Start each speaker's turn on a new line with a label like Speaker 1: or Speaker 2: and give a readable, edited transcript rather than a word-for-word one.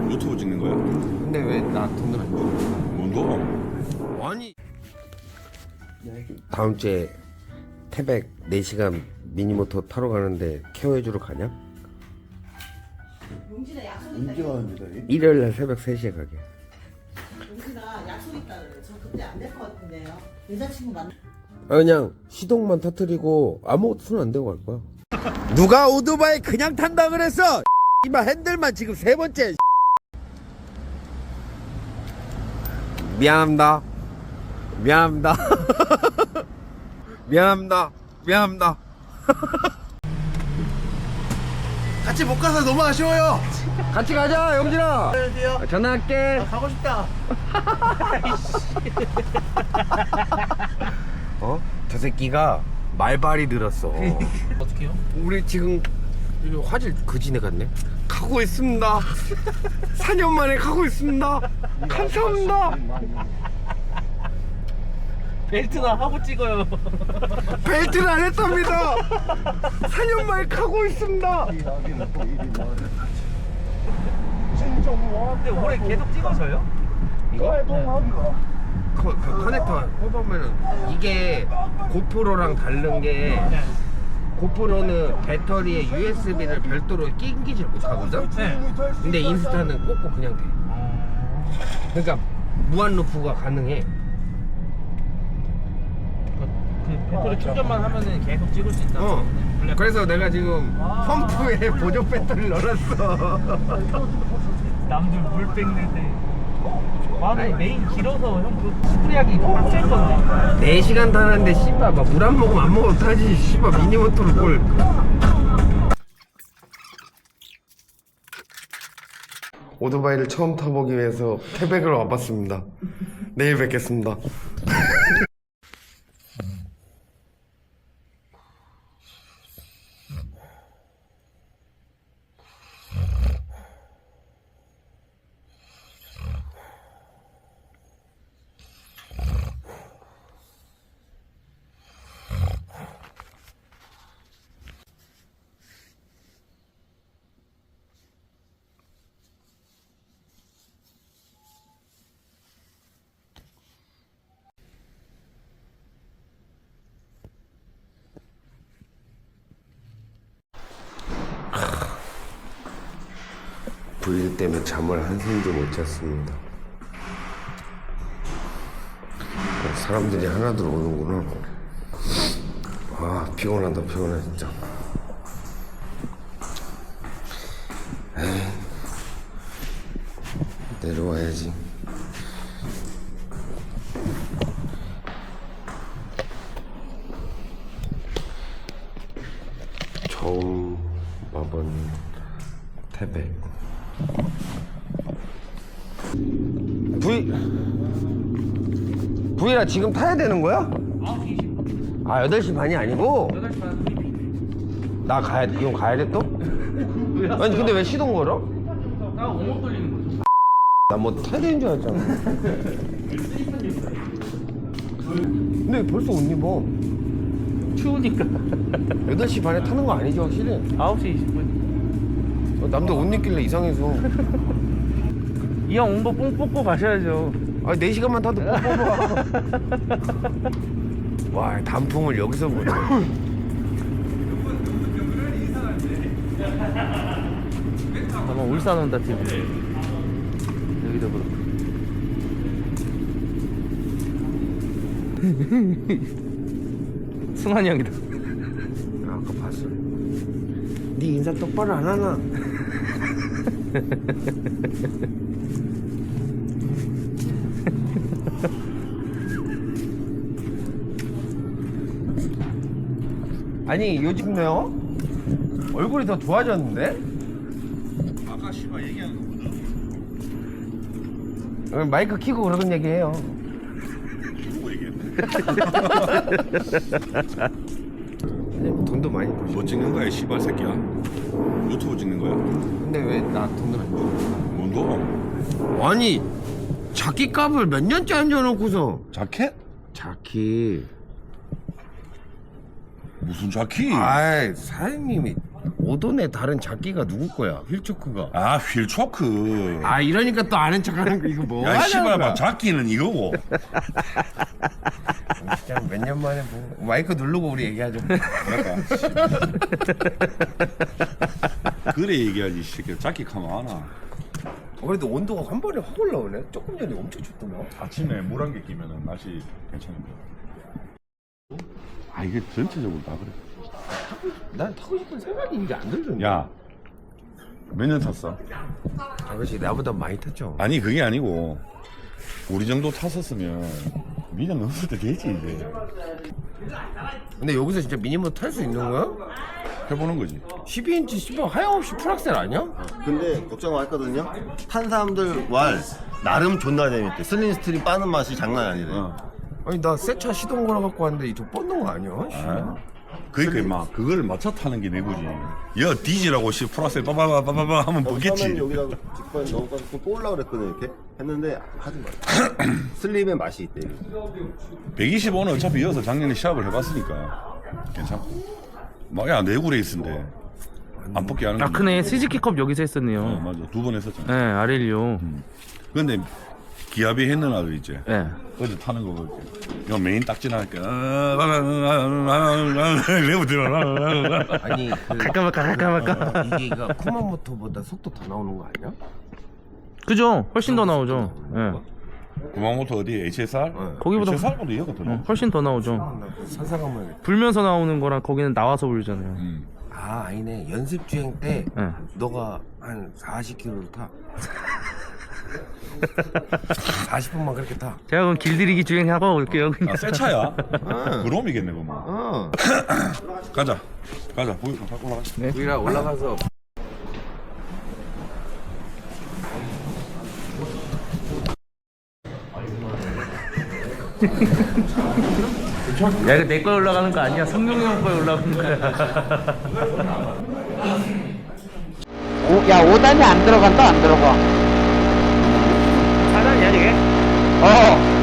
Speaker 1: 유튜브 찍는 거야?
Speaker 2: 근데 왜 나 돈을 안 줘?
Speaker 1: 뭔 거?
Speaker 2: 아니 다음 주에 태백 4시간 미니모터 타러 가는데 케어해주러 가냐?
Speaker 3: 용진아 약속 있다.
Speaker 4: 언제 가는데?
Speaker 2: 일요일날 새벽 3시에 가게.
Speaker 3: 용진아 약속 있다 그래. 저 그때 안 될 것 같은데요. 여자친구 만나.
Speaker 2: 그냥 시동만 터트리고 아무것도 손 안 대고 갈 거야. 누가 오토바이 그냥 탄다 그랬어? 이마 핸들만 지금 3번째. 미안합니다. 미안합니다. 미안합니다. 미안합니다.
Speaker 4: 같이 못 가서 너무 아쉬워요.
Speaker 2: 같이 가자, 영진아. 전화할게.
Speaker 4: 가고 싶다.
Speaker 2: 어? 저 새끼가 말발이 늘었어.
Speaker 5: 어떻게요?
Speaker 2: 우리 지금 여기 화질 그지네 같네. 가고 있습니다. 4년 만에 가고 있습니다. 감사합니다.
Speaker 5: 벨트나 하고 찍어요.
Speaker 2: 벨트를 안 했답니다. 4년 만에 가고 있습니다.
Speaker 5: 근데 올해 계속 찍어서요?
Speaker 2: 이거? 커넥터 해보면은 이게 고프로랑 다른 게 고프로는 배터리에 USB를 별도로 끼기질 못하거든?
Speaker 5: 네.
Speaker 2: 근데 인스타는 꽂고 그냥 돼. 그러니까 무한 루프가 가능해.
Speaker 5: 그 배터리 충전만 하면은 계속 찍을 수 있다.
Speaker 2: 어. 그래서 내가 지금 펌프에 보조 배터리를 넣어놨어.
Speaker 5: 남들 물 뺏는 데. 나는 메인 길어서 형 그 스프레이하기 빡셀 건데.
Speaker 2: 4시간 타는데 씨발 막 물 안 먹으면 안 먹어도 타지. 씨발 미니모터를 뭘. 오토바이를 처음 타보기 위해서 태백을 와봤습니다. 내일 뵙겠습니다. 불일 때문에 잠을 한숨도 못 잤습니다. 사람들이 하나둘 오는구나. 아 피곤하다 피곤해 진짜. 에이 내려와야지. 처음 와본 태백. 부이라 지금 타야 되는 거야?
Speaker 5: 9시 20분.
Speaker 2: 아 8시 반이 아니고?
Speaker 5: 8시 반 브리핑.
Speaker 2: 나 가야 돼? 이건 가야 돼 또? 아니 근데 왜 시동 걸어?
Speaker 5: 나 옹호 돌리는 거죠.
Speaker 2: 나 뭐 타야 되는 줄 알았잖아. 근데 벌써 옷 입어.
Speaker 5: 추우니까.
Speaker 2: 8시 반에 타는 거 아니지 확실히?
Speaker 5: 9시 20분.
Speaker 2: 남들 옷 입길래 이상해서.
Speaker 5: 이 형 옹보 뽕 뽑고 가셔야죠.
Speaker 2: 아 4시간만 타도 뽑아. 와 단풍을 여기서 보네.
Speaker 5: 아마 울산 온다 TV. 여기도 그렇고. 승환이 형이다.
Speaker 2: 아까 봤어. 네 인사 똑바로 안 하나? 아니 요즘요 얼굴이 더 좋아졌는데?
Speaker 1: 아까 씨발 얘기하는 거보다
Speaker 2: 마이크 키고 그러던 얘기해요.
Speaker 1: 누구 얘기했네?
Speaker 2: 돈도 많이 버시.
Speaker 1: 뭐 찍는 거야, 씨발 새끼야? 유튜브 찍는 거야?
Speaker 2: 근데 왜 나 돈을 안 줘?
Speaker 1: 뭔 거?
Speaker 2: 아니 자기 값을 몇 년째 앉아놓고서.
Speaker 1: 자켓?
Speaker 2: 자키.
Speaker 1: 무슨 자키?
Speaker 2: 아이 사장님이 오돈의 다른 작기가 누구 거야? 휠초크가.
Speaker 1: 아 휠초크.
Speaker 2: 아 이러니까 또 아는 척하는 거 이거 뭐
Speaker 1: 야
Speaker 2: 하냐는
Speaker 1: 씨발
Speaker 2: 거야.
Speaker 1: 막 작기는 이거고.
Speaker 2: 진짜 몇 년 만에 뭐 마이크 누르고 우리 얘기하죠.
Speaker 1: 그래 얘기하지 이 새끼. 작기 가만 하나.
Speaker 2: 그래도 온도가 한 번에 확 올라오네. 조금 전에 엄청 춥더만.
Speaker 1: 아침에 물 한 개 끼면은 날씨 괜찮은 거야. 아 이게 전체적으로 다 그래.
Speaker 2: 난 타고 싶은 생각이 이제 안 들던데.
Speaker 1: 야, 몇 년 탔어?
Speaker 2: 아버지 나보다 많이 탔죠.
Speaker 1: 아니 그게 아니고 우리 정도 탔었으면 미련 넘을 때 되지 이제.
Speaker 2: 근데 여기서 진짜 미니모터 탈 수 있는 거야?
Speaker 1: 해보는 거지.
Speaker 2: 12인치 씨발 하염없이 풀악셀 아니야?
Speaker 4: 근데 걱정 많이 했거든요. 탄 사람들 왈 나름 존나 재밌대. 슬림 스트림 빠는 맛이 장난 아니래.
Speaker 2: 아니 나 새 차 시동 걸어 갖고 왔는데 저 뻗는 거 아니야?
Speaker 1: 아? 그러니까 막 그걸 맞춰 타는 게 내구지. 야 디지라고 씨 플러스에 빠바바바바바 하면
Speaker 4: 처음엔
Speaker 1: 보겠지.
Speaker 4: 여기다가 직관 넣어가지고 좀 뽑으려고 그랬거든 이렇게 했는데 하지 마. 슬림의 맛이 있대.
Speaker 1: 125는 어차피 이어서 작년에 시합을 해봤으니까 괜찮고. 막야 내구 레이스인데 안 뽑기 하는
Speaker 5: 아
Speaker 1: 건데.
Speaker 5: 크네. 스즈키컵 여기서 했었네요.
Speaker 1: 맞아 2번 했었잖아.
Speaker 5: 네, 아렐리오.
Speaker 1: 근데 기아비 했는 아들 있지.
Speaker 5: 네.
Speaker 1: 어제 타는 거 볼게. 이거 메인 딱 지나니까 레브 들어.
Speaker 2: 아니 그
Speaker 5: 갈까
Speaker 2: 이게 쿠마모토보다 속도 더 나오는 거 아니야?
Speaker 5: 그죠? 훨씬 더 나오죠. 예.
Speaker 1: 구마모토 어디 HSR?
Speaker 5: 거기보다
Speaker 1: HSR보다 이거가 더 나아.
Speaker 5: 훨씬 더 나오죠.
Speaker 2: 나 산사가면
Speaker 5: 불면서 나오는 거랑 거기는 나와서 불잖아요.
Speaker 2: 아 아니네 연습 주행 때
Speaker 5: 네.
Speaker 2: 너가 한 40km를 타. 40분만 그렇게 타.
Speaker 5: 제가 그럼 길들이기 주행하고 올게요. 그냥.
Speaker 1: 아, 새 차야? 그럼이겠네, 그러면.
Speaker 2: 어.
Speaker 1: 가자. 보여, 갖고 올라가.
Speaker 2: 우리가 올라가서
Speaker 5: 야, 이거 내 거에 올라가는 거 아니야. 성룡이 형 거에 올라가는 거야.
Speaker 6: 야, 5단이 안 들어간다, 안 들어가.
Speaker 5: 4단이야, 이게?
Speaker 6: 어.